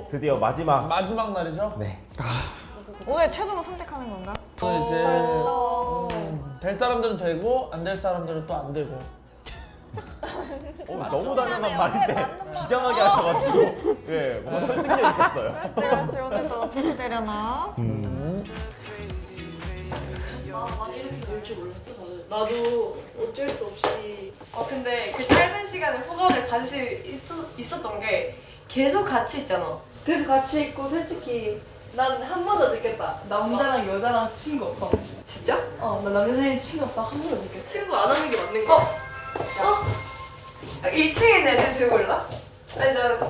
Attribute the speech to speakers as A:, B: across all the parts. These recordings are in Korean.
A: 드디어 마지막.
B: 마지막 날이죠?
A: 네.
C: 오늘 최종 선택하는 건가?
B: 또 이제 될 사람들은 되고 안 될 사람들은 또 안 되고.
A: 너무 당연한 말인데 비장하게 하셔가지고 예, 뭔가 설득력 있었어요.
C: 그렇지 오늘 또 어떻게 되려나?
D: 나 많이 이렇게 될 줄 몰랐어 다들. 나도 어쩔 수 없이. 근데 그 짧은 시간에 호감을 가질 수 있었던 게 계속 같이 있잖아. 계속 같이 있고 솔직히 난 한 번 더 느꼈다. 남자랑 여자랑 친구 오빠. 진짜? 나 남자 사이에 친구 오빠 한 번 더 느꼈어. 친구 안 하는 게 맞는 거야. 1층에 있는 애들 들고 올라? 아니 나.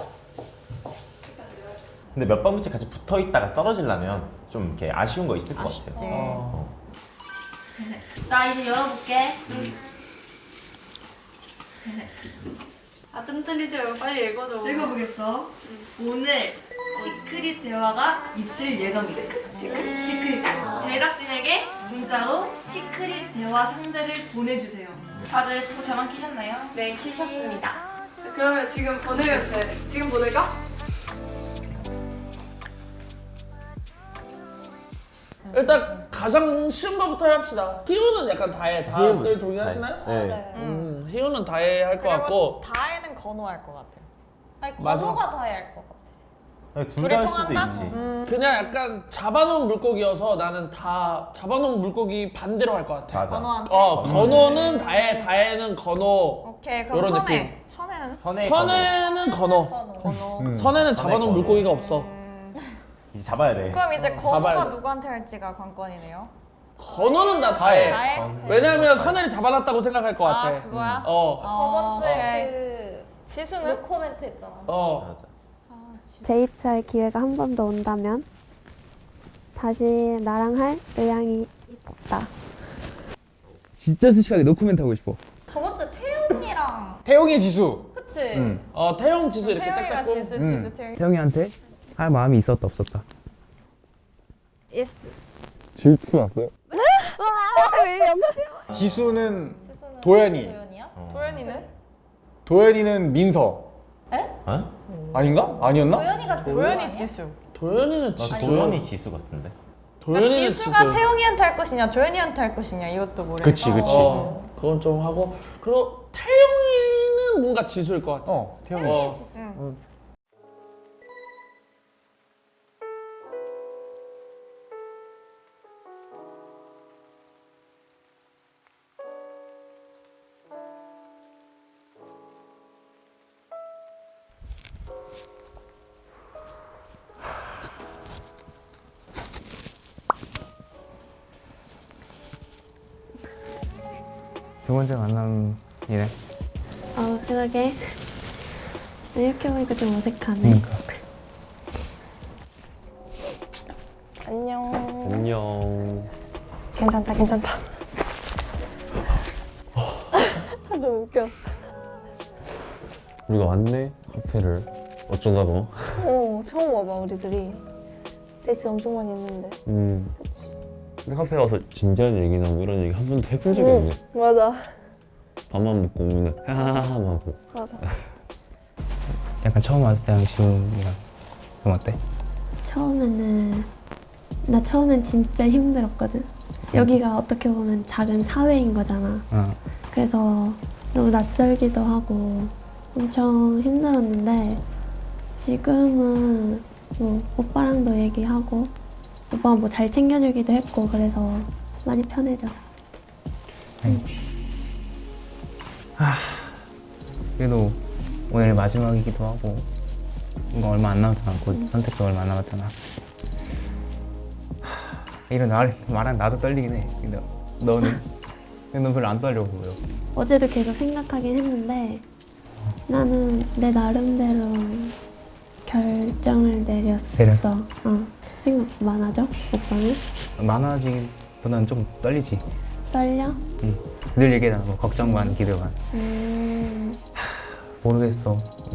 A: 근데 몇 번째 같이 붙어 있다가 떨어지려면 좀 이렇게 아쉬운 거 있을 것
C: 아쉽지.
A: 같아요.
E: 나 이제 열어볼게.
D: 뜸 들리지 말고 빨리 읽어줘.
E: 읽어보겠어. 오늘 시크릿 대화가 있을 예정이래. 시크릿 대화. 제작진에게 문자로 시크릿 대화 상대를 보내주세요. 다들 보고 전화 키셨나요?
D: 네, 키셨습니다. 그러면 지금 보내면 돼. 지금 보낼까?
B: 일단 가장 쉬운 거부터 해봅시다. 희우는 약간 다해. 다들 동의하시나요?
A: 네.
B: 희우는 다해 할 것 같고.
C: 다혜는 건호할 것 같아.
E: 아니
B: 맞아.
E: 건호가 다 해야 할 것 같아.
A: 둘 다 할
C: 둘이
A: 수도
C: 통한다?
A: 있지.
B: 그냥 약간 잡아놓은 물고기여서 나는 다 잡아놓은 물고기 반대로 할 것 같아.
A: 맞아.
C: 건호한테?
B: 건호는 다해, 다해는 건호.
C: 오케이 그럼
B: 요런
C: 선혜.
B: 느낌.
C: 선혜는?
B: 선혜는 건호.
C: 건호.
B: 선혜는 잡아놓은
A: 건호.
B: 물고기가 없어.
A: 이제 잡아야 돼.
C: 그럼 이제
B: 잡아야
C: 건호가
B: 돼.
C: 누구한테 할지가 관건이네요.
B: 건호는 나 다해.
C: 다혜?
B: 왜냐면 선혜를 잡아놨다고 생각할 것 같아.
C: 아 그거야?
E: 저번 주에
C: 오케이.
E: 그
C: 지수는?
E: 노코멘트 했잖아.
A: 맞아.
F: 데이트할 기회가 한 번 더 온다면 다시 나랑 할 의향이 있다.
G: 진짜 솔직하게 노코멘트 하고 싶어.
E: 저번 주에 태용이랑
H: 태용이 지수.
E: 그치?
B: 태용 지수 이렇게
C: 태영이가
B: 짝짝꿍.
C: 지수 태영이.
G: 태영이한테 할 마음이 있었다 없었다.
F: 예스.
H: 질투 났어요?
F: 왜 염치?
H: 지수는
E: 지수는
H: 도연이.
E: 도연이야?
C: 도현이는?
H: 도현이는 민서.
A: 어?
H: 아닌가? 아니었나?
E: 도연이가 지수
C: 도현이
E: 아니야?
C: 지수.
B: 도연이는
A: 나
B: 지수.
A: 도현이 지수 같은데.
B: 도연이는
C: 지수가
B: 지수.
C: 태영이한테 할 것이냐 도현이한테 할 것이냐 이것도 모르겠다.
H: 그치.
B: 그건 좀 하고. 그리고 태용이는 뭔가 지수일 것 같아.
H: 태용이.
G: 두 번째 만남이네.
F: 그러게. 이렇게 보니까 좀 어색하네.
G: 그러니까.
A: 안녕.
F: 괜찮다. 너무 웃겨.
I: 우리가 왔네 카페를 어쩌다가.
F: 처음 와봐 우리들이. 데이트 엄청 많이 했는데.
I: 근데 카페 와서 진지한 얘기나 뭐 이런 얘기 한 번도 해본 적이 없네.
F: 맞아.
I: 밥만 먹고 오면 하하하하 하고.
F: 맞아.
G: 약간 처음 왔을 때랑 지훈이랑 좀 어때?
F: 나 처음엔 진짜 힘들었거든. 여기가 어떻게 보면 작은 사회인 거잖아. 그래서 너무 낯설기도 하고 엄청 힘들었는데 지금은 뭐 오빠랑도 얘기하고 오빠가 뭐 잘 챙겨주기도 했고 그래서 많이 편해졌어.
G: 그래도 오늘 마지막이기도 하고 이거 얼마 안 남았잖아. 곧 선택도 얼마 안 남았잖아. 이런 말하면 나도 떨리긴 해. 근데 너는? 넌 별로 안 떨려 보여.
F: 어제도 계속 생각하긴 했는데 나는 내 나름대로 결정을 내렸어. 생각 많아져? 오빠는?
G: 많아지기보다는 좀 떨리지.
F: 떨려?
G: 늘 얘기하잖아. 뭐 걱정 반, 기대 반. 모르겠어.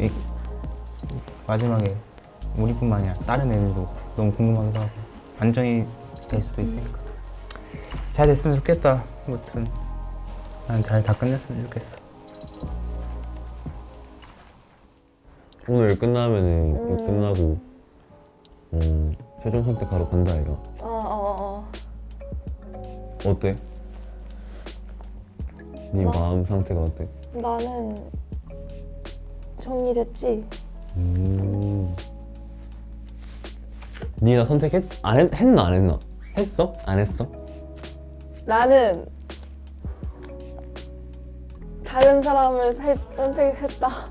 G: 마지막에 우리뿐만 아니라 다른 애들도 너무 궁금하기도 하고 반전이 될 수도 있으니까 잘 됐으면 좋겠다. 아무튼 난 잘 다 끝냈으면 좋겠어.
I: 오늘 끝나면은 이거 끝나고 최종 선택하러 간다 이거. 어때? 네 마음 상태가 어때?
F: 나는 정리됐지?
I: 니나 선택했? 했나 안 했나? 했어? 안 했어?
F: 나는 다른 사람을 선택했다.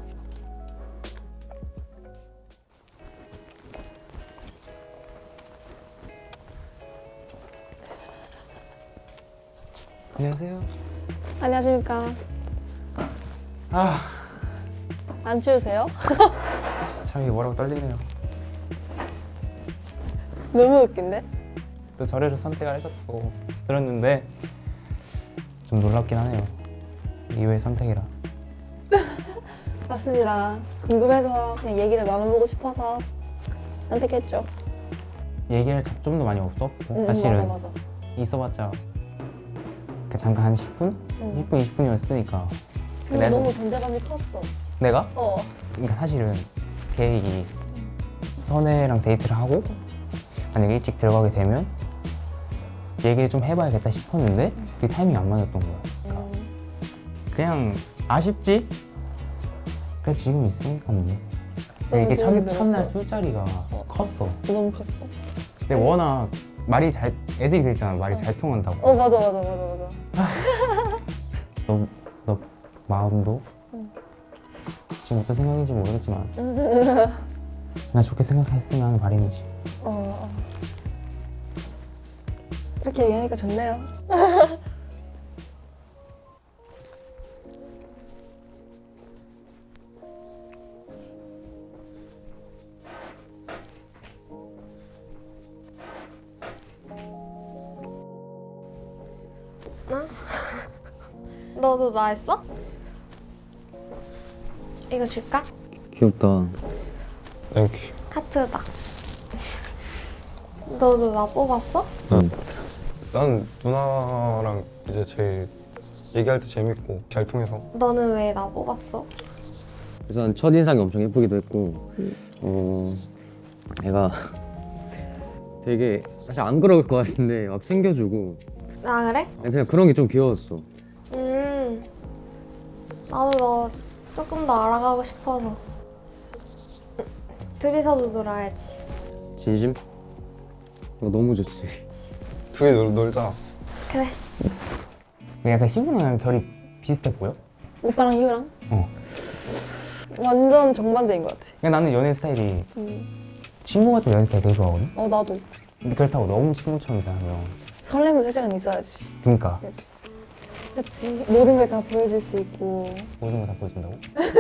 G: 안녕하세요.
F: 안녕하십니까.
G: 아,
F: 안 추우세요?
G: 참 이게 뭐라고 떨리네요.
F: 너무 웃긴데?
G: 또 저래서 선택을 하셨다고 들었는데 좀 놀랍긴 하네요. 이외의 선택이라.
F: 맞습니다. 궁금해서 그냥 얘기를 나눠보고 싶어서 선택했죠.
G: 얘기할 접점도 많이 없었고 사실은
F: 맞아.
G: 있어봤자 그 잠깐 한 10분? 10분, 20분이었으니까
F: 근데 너무 존재감이 컸어.
G: 내가?
F: 어.
G: 그러니까 사실은 계획이 선혜랑 데이트를 하고 만약에 일찍 들어가게 되면 얘기를 좀 해봐야겠다 싶었는데 그 타이밍이 안 맞았던 거야. 그냥 아쉽지? 그래 지금 있으니까 뭐. 이게 첫날 술자리가 컸어.
F: 너무 컸어.
G: 근데 워낙 말이 잘 애들이 그랬잖아. 말이 잘 통한다고.
F: 어 맞아.
G: 너 마음도 지금 어떤 생각인지 모르겠지만 나 좋게 생각했으면 하는 바람이지.
F: 이렇게 얘기하니까 좋네요.
E: 너도 나 했어? 이거 줄까?
I: 귀엽다. 땡큐.
E: 하트다. 너도 나 뽑았어?
I: 응.
J: 난 누나랑 이제 제일 얘기할 때 재밌고 잘 통해서.
E: 너는 왜 나 뽑았어?
I: 우선 첫인상이 엄청 예쁘기도 했고 애가 되게 사실 안 그럴 것 같은데 막 챙겨주고
E: 아 그래?
I: 그냥 그런 게 좀 귀여웠어.
E: 나도 너 조금 더 알아가고 싶어서. 둘이서도 놀아야지.
I: 진심? 이거 너무 좋지.
J: 둘이 놀자.
E: 그래.
G: 약간 희구랑 결이 비슷해 보여?
F: 오빠랑 희우랑?
G: 어.
F: 완전 정반대인 것 같아.
G: 그냥 나는 연애 스타일이 친구 같은 연애 스타일 되게 좋아하거든?
F: 어 나도.
G: 근데 그렇다고 너무 친구처럼 대하면
F: 설렘도 살짝은 있어야지.
G: 그러니까
F: 그렇지. 모든 걸 다 보여줄 수 있고.
G: 모든 걸 다 보여준다고?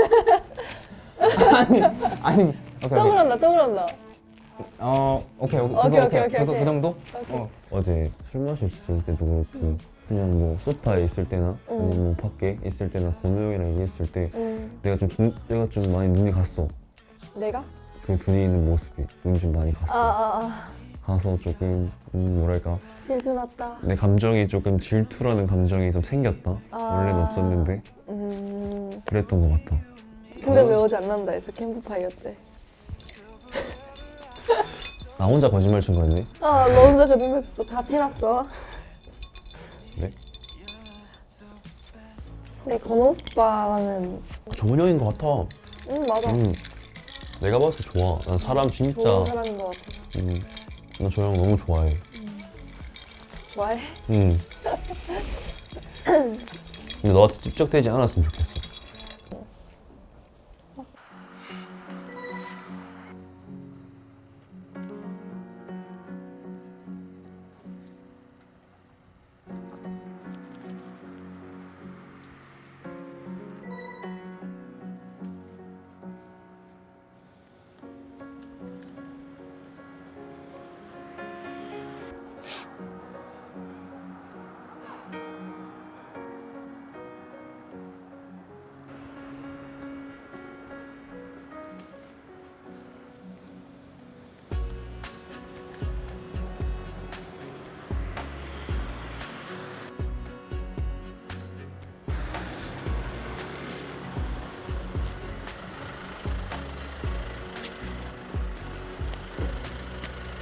G: 아니 오케이
F: 또 그런다.
G: 오케이 그 정도?
I: 어제 술 마셨을 때도 그렇고 그냥 뭐 소파에 있을 때나 아니면 뭐 밖에 있을 때나 건우 형이랑 얘기했을 때 내가 좀 많이 눈이 갔어.
F: 내가?
I: 그 둘이 있는 모습이 눈이 좀 많이 갔어. 가서 조금 뭐랄까
F: 질투 났다.
I: 내 감정이 조금 질투라는 감정이 좀 생겼다. 원래는 없었는데 그랬던 것 같아.
F: 근데 왜 어제 안 난다 했어? 캠프파이어 때.
I: 나 혼자 거짓말 친 거였네?
F: 너 혼자 거짓말 쳤어. 다 티났어.
I: 그래?
F: 근데 건우 오빠랑은
I: 좋은 형인 것 같아.
F: 맞아.
I: 내가 봤을 때 좋아. 난 사람 진짜
F: 좋은 사람인 것 같아.
I: 나 저 형 너무 좋아해.
F: 좋아해?
I: 근데 너한테 찝적대지 않았으면 좋겠어.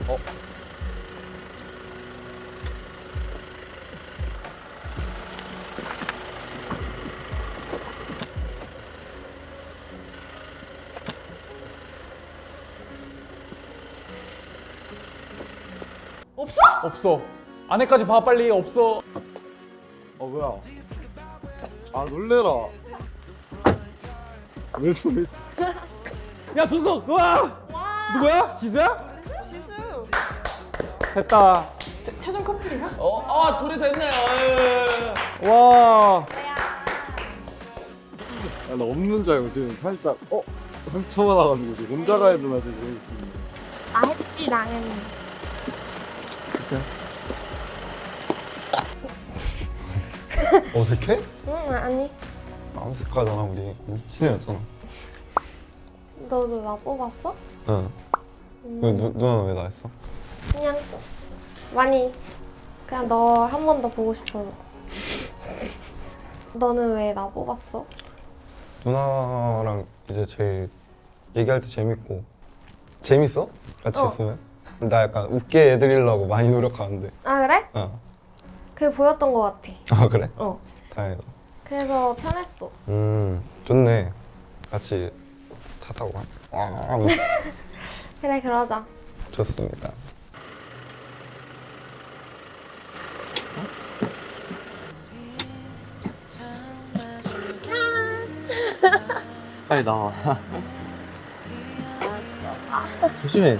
H: 없어. 안에까지 봐 빨리. 없어.
J: 뭐야? 아 놀래라. 왜 있어?
H: 야 줬어. 우와. 누구야? 지수야?
C: 지수.
H: 됐다.
C: 최종 커플이야?
B: 둘이 됐네요. 예.
H: 와.
J: 나 없는 줄 알고 지금 살짝 상처가 나가지고 지금 혼자 가야 되나 지금 이러고 있습니다.
F: 아 했지 당연히.
J: 어색해?
F: 응 아니.
J: 안 어색하잖아 우리. 친해졌잖아.
F: 너도 나 뽑았어?
J: 응. 왜 누나는 왜 나 했어?
F: 그냥 많이 그냥 너 한 번 더 보고 싶어서. 너는 왜 나 뽑았어?
J: 누나랑 이제 제일 얘기할 때 재밌고 재밌어? 같이 있으면? 나 약간 웃게 해드리려고 많이 노력하는데.
F: 아 그래? 그게 보였던 것 같아.
J: 아 그래?
F: 어.
J: 다행이다.
F: 그래서 편했어.
J: 좋네. 같이 차 타고 하면서.
F: 그래 그러자.
J: 좋습니다.
G: 빨리 나와. 조심해.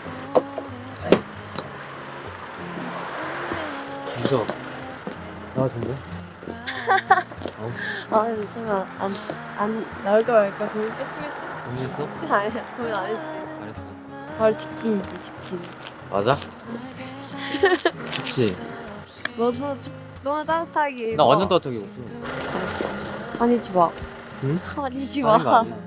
G: 무서워. 나와준대?
K: 아 잠시만 안 나올까 말까 고민 조금
G: 고민했어?
K: 아니야 고민 안 했어.
G: 알았어.
K: 바로 치킨이지 치킨.
G: 맞아? 좋지.
K: 너도 너무 따뜻하게 입어.
G: 나 완전 따뜻하게 입었어.
K: 알았어. 아니지 마.
G: 응?
K: 아니지
G: 아닌 거
K: 마.
G: 아니야?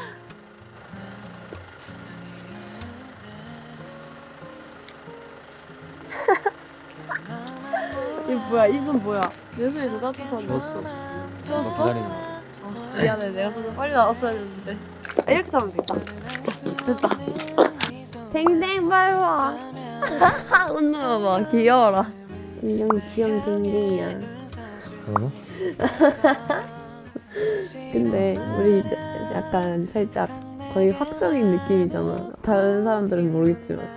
K: 이 뭐야 이 손 뭐야? 내 손이 더 따뜻한데.
G: 좋았어.
K: 추웠어?
G: 너 기다리는 거야.
K: 미안해 내가 좀 더 빨리 나왔어야 했는데. 아, 이렇게 잡으면 되겠다. 됐다. 댕댕 밟아. 웃는 거 봐. 귀여워라. 인형 귀염 댕댕이야.
G: 그러나?
K: 근데 우리 약간 살짝 거의 확정인 느낌이잖아. 다른 사람들은 모르겠지만.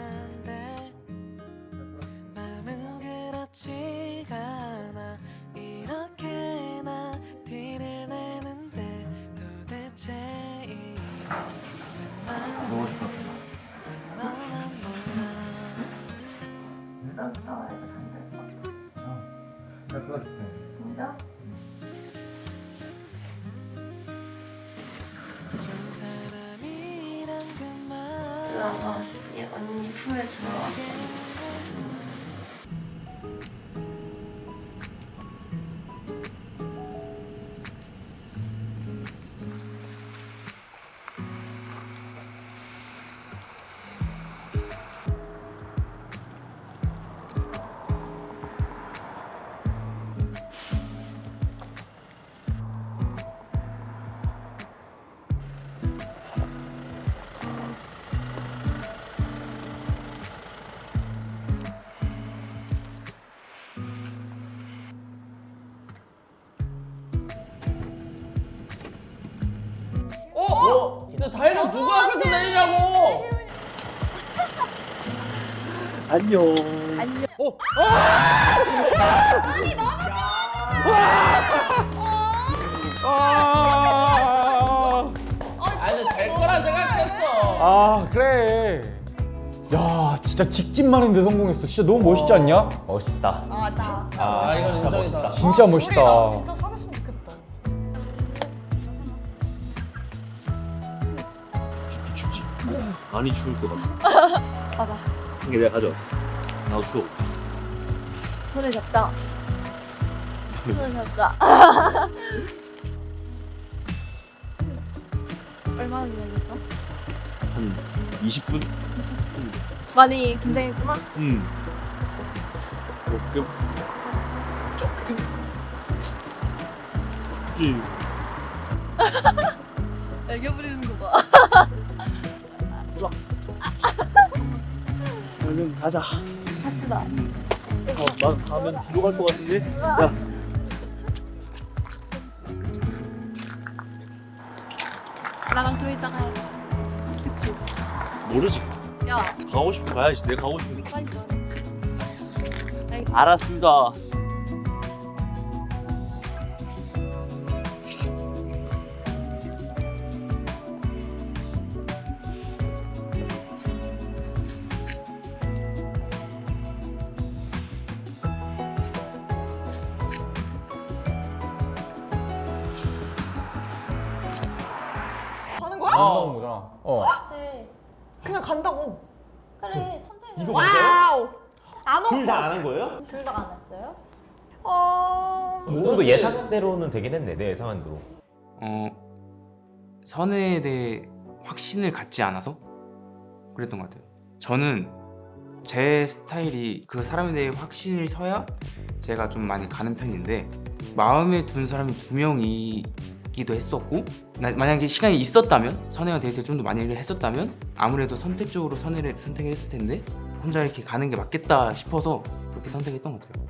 F: 언니 품에 들어와.
B: 근데 다이너 누가 앞에서 내리냐고.
A: 안녕.
B: 아니 될 거라 생각했어.
H: 아 그래. 야 진짜 직진만인데 성공했어. 진짜 너무 멋있지 않냐?
A: 멋있다.
C: 아 진짜.
B: 아 이건 인정이다.
H: 진짜 멋있다.
C: 나 진짜 사귀었으면 좋겠다.
A: 춥지? 많이 추울 것 같아.
K: 맞아.
A: 이게 내가 가져왔어. 나도 추워.
K: 손을 잡자. 손을 잡자. 얼마나 기다렸어?
A: 한 20분?
K: 많이 긴장했구나.
A: 조금 춥지.
K: 애교 부리는 거 봐.
A: 아니면
B: 가자.
K: 합시다.
B: 난 가면 뒤로 갈 것 같은데. 야.
C: 나랑 좀 이따 가야지. 그치?
B: 모르지.
C: 야.
B: 가고 싶으면 가야지. 내가 가고 싶으면.
C: 빨리 가.
B: 알았습니다.
C: 가는 거야?
H: 나온 거잖아.
C: 네. 그냥 간다고.
K: 그래 선택을.
A: 이거
C: 와우. 안
A: 둘
C: 오.
A: 다 안 한 거예요?
K: 둘 다 안 했어요?
A: 어느 정도 예상대로는 되긴 했네. 내 예상한 대로.
G: 선에 대해 확신을 갖지 않아서 그랬던 것 같아요. 저는 제 스타일이 그 사람에 대해 확신을 서야 제가 좀 많이 가는 편인데 마음에 둔 사람이 2명이기도 했었고 만약에 시간이 있었다면 선혜와 데이트를 좀 더 많이 했었다면 아무래도 선택적으로 선혜를 선택을 했을 텐데 혼자 이렇게 가는 게 맞겠다 싶어서 그렇게 선택했던 것 같아요.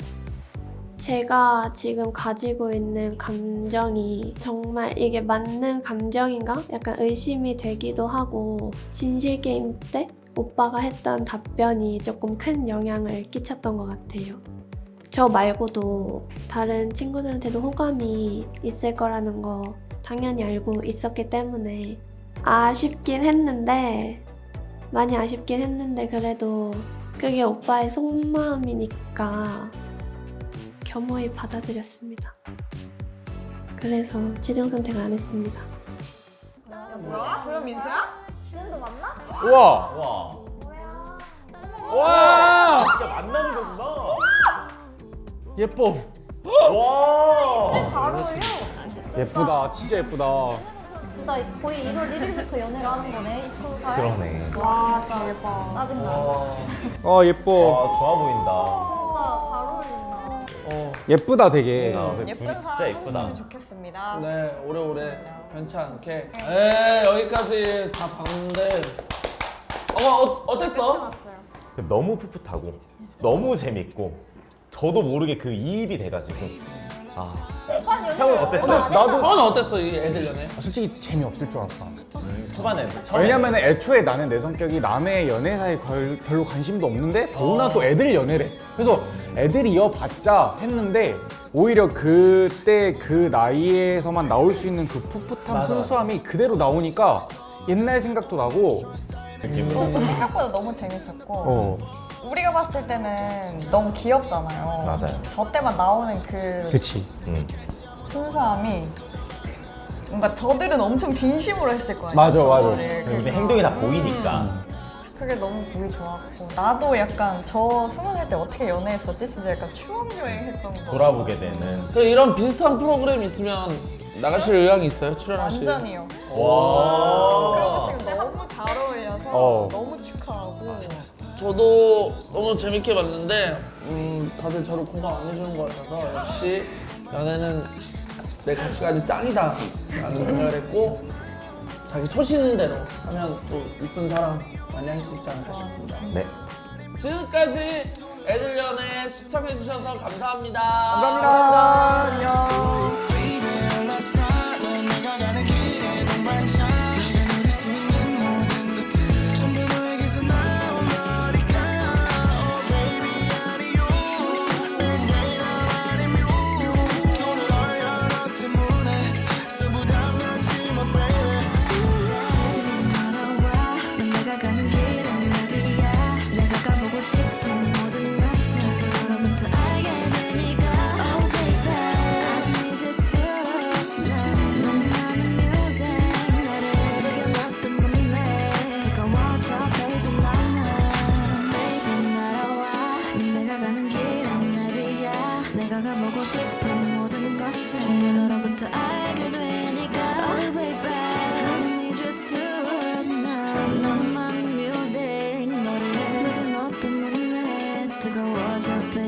F: 제가 지금 가지고 있는 감정이 정말 이게 맞는 감정인가? 약간 의심이 되기도 하고 진실 게임 때 오빠가 했던 답변이 조금 큰 영향을 끼쳤던 것 같아요. 저 말고도 다른 친구들한테도 호감이 있을 거라는 거 당연히 알고 있었기 때문에 아쉽긴 했는데 많이 아쉽긴 했는데 그래도 그게 오빠의 속마음이니까 겸허히 받아들였습니다. 그래서 최종 선택을 안 했습니다.
C: 뭐야? 도현 민수야?
K: 지금도 맞나?
H: 우와.
A: 와.
H: 와.
A: 진짜 만나는 거구나.
H: 예뻐.
A: 와.
K: 잘 어울려.
H: 예쁘다. 진짜 예쁘다.
K: 나 거의 1월 1일부터 연애를 하는 거네. 20살.
A: 그러네.
C: 와, 진짜 예뻐.
K: 짜증나.
H: 예뻐.
A: 와, 좋아 보인다.
K: 진짜 잘 어울린다.
H: 예쁘다 되게.
C: 예쁜
A: 진짜
C: 사람
A: 예쁘다.
C: 했으면 좋겠습니다.
B: 네, 오래오래
C: 진짜.
B: 변치 않게. 여기까지 다 봤는데.
C: 끝이
B: 어땠어?
C: 났어요.
A: 너무 풋풋하고 너무 재밌고 저도 모르게 그 이입이 돼가지고 형은 어땠어?
H: 나도
B: 너는 어땠어 이 애들 연애?
H: 솔직히 재미없을 줄 알았어.
A: 초반에
H: 왜냐면 애초에 나는 내 성격이 남의 연애사에 별로 관심도 없는데 더구나 또 애들 연애래. 그래서 애들 이어봤자 했는데 오히려 그때 그 나이에서만 나올 수 있는 그 풋풋함
A: 맞아.
H: 순수함이 그대로 나오니까 옛날 생각도 나고
C: 저도 생각보다 너무 재밌었고 우리가 봤을 때는 너무 귀엽잖아요.
A: 맞아요.
C: 저 때만 나오는 그
H: 그치.
C: 순수함이 뭔가 저들은 엄청 진심으로 했을 거예요.
H: 맞아.
A: 근데 행동이 다 보이니까
C: 그게 너무 보기 좋았고 나도 약간 저 20살 때 어떻게 연애했었지? 진짜 약간 추억여행 했던 거
A: 돌아보게 되는.
B: 이런 비슷한 프로그램 있으면 나가실 의향이 있어요? 출연하실?
C: 완전히요.
A: 와.
C: 그런 거 지금 너무 잘 어울려서 너무 축하하고
B: 저도 너무 재밌게 봤는데 다들 저를 공감 안 해주는 것 같아서 역시 연애는 내 가치관이 짱이다 라는 생각을 했고 자기 소신대로 하면 또 이쁜 사람 많이 할 수 있지 않을까 싶습니다.
A: 네.
B: 지금까지 애들 연애 시청해주셔서 감사합니다.
H: 감사합니다. 안녕.
L: 내가 가보고 싶은 모든 것을 정말 너로부터 알게 되니까 Oh baby I need you tonight 너만의 music 너를 내게 너 때문에 뜨거워져 baby